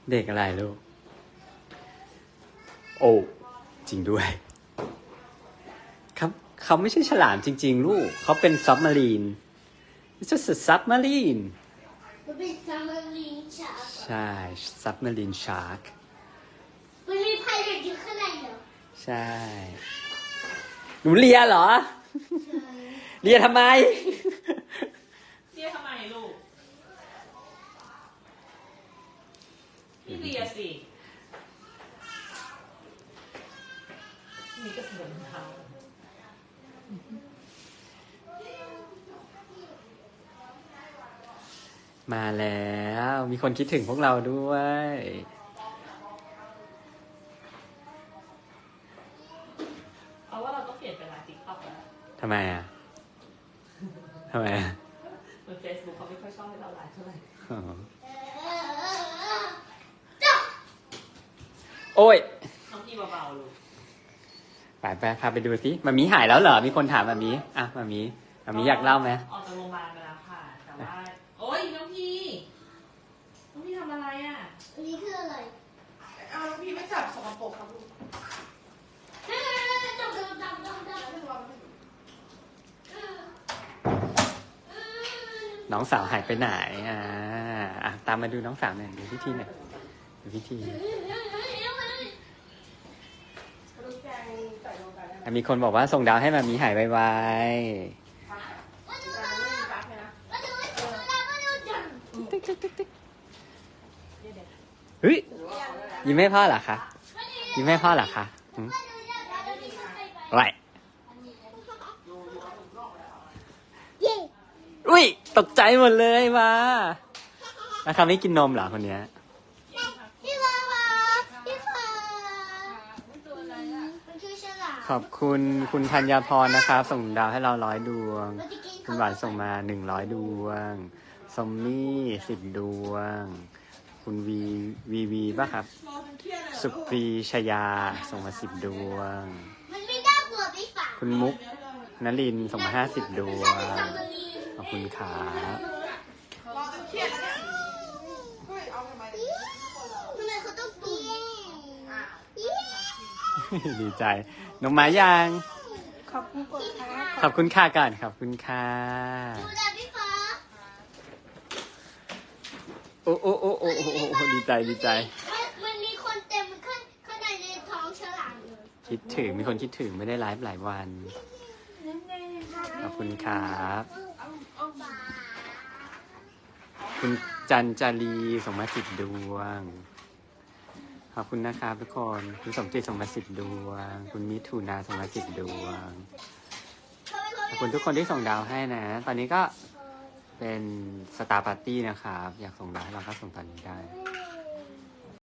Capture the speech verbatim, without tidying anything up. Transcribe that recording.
เด็กอะไรลูกโอ้จริงด้วยครับเขาไม่ใช่ฉลามจริงๆลูกเขาเป็นซับมารีน It's just a submarine มันเป็นซับมารีนชาร์กใช่ submarine shark มันมีพายเรืออยู่ข้างในเหรอใช่หนูเลียเหรอเลียทำไมเลียทำไมลูกพี่เลียสินี่ก็เสียงเท้ามาแล้วมีคนคิดถึงพวกเราด้วยเอาว่าเราต้องเปลี่ยนเป็นไลน์ติ๊กต็อกแล้วทำไมอ่ะทำไมอ่ะเหมือนเฟซบุ๊กเขาไม่ค่อยชอบให้เราไลน์เท่าไหร่โอ้ยน้องพี่เบาๆลูกไปไปพาไปดูสิมามีหายแล้วเหรอมีคนถามมามีอ่ะมามีมามีอยากเล่าไหมออกจากโรงพยาบาลไปแล้วค่ะแต่ว่าโอ้ยน้องพี่น้องพี่ทำอะไรอ่ะอันนี้คืออะไรเอาน้องพี่ไม่จับสกปรกครับลูกดำดำดำดำดำน้องสาวหายไปไหนอ่าอ่ะตามมาดูน้องสาวหน่อยดูพิธีหน่อยดูพิธีมีคนบอกว่าส่งดาวให้มามีหายไวๆเฮ้ยยิ้มให้พ่อเหรอคะยิ้มให้พ่อเหรอคะไรอุ้ยตกใจหมดเลยมาแล้วเขาไม่กินนมเหรอคนเนี้ยขอบคุณคุณธัญพรนะครับส่งดาวให้เราร้อยดวงคุณหวานส่งมาหนึ่งร้อยดวงซอมมี่สิบดวงคุณวีวีวีป่ะครับสุปรีชยาส่งมาสิบดวงคุณมุกนลินส่งมาห้าสิบดวงขอบคุณครับดีใจน้องไม้ยังขอบคุณค่ะขอบคุณค่ะก่อนขอบคุณค่ะดูแลพี่ฟ้าโอ้โอ้โอ้โอ้โอ้โอ้ดีใจดีใจมันมีคนเต็มข้างข้างในในท้องฉลามเลยคิดถึงมีคนคิดถึงไม่ได้ไลฟ์หลายวันขอบคุณครับคุณจันจารีส่งมาสิบดวงขอบคุณนะครับทุกคนคุณสมจิตส่งมาสิบดวงคุณมิถุนาส่งมาสิบดวงขอบคุณทุกคนที่ส่งดาวให้นะตอนนี้ก็เป็นสตาร์ปาร์ตี้นะครับอยากส่งดาวให้เราก็ส่งตอนนี้ได้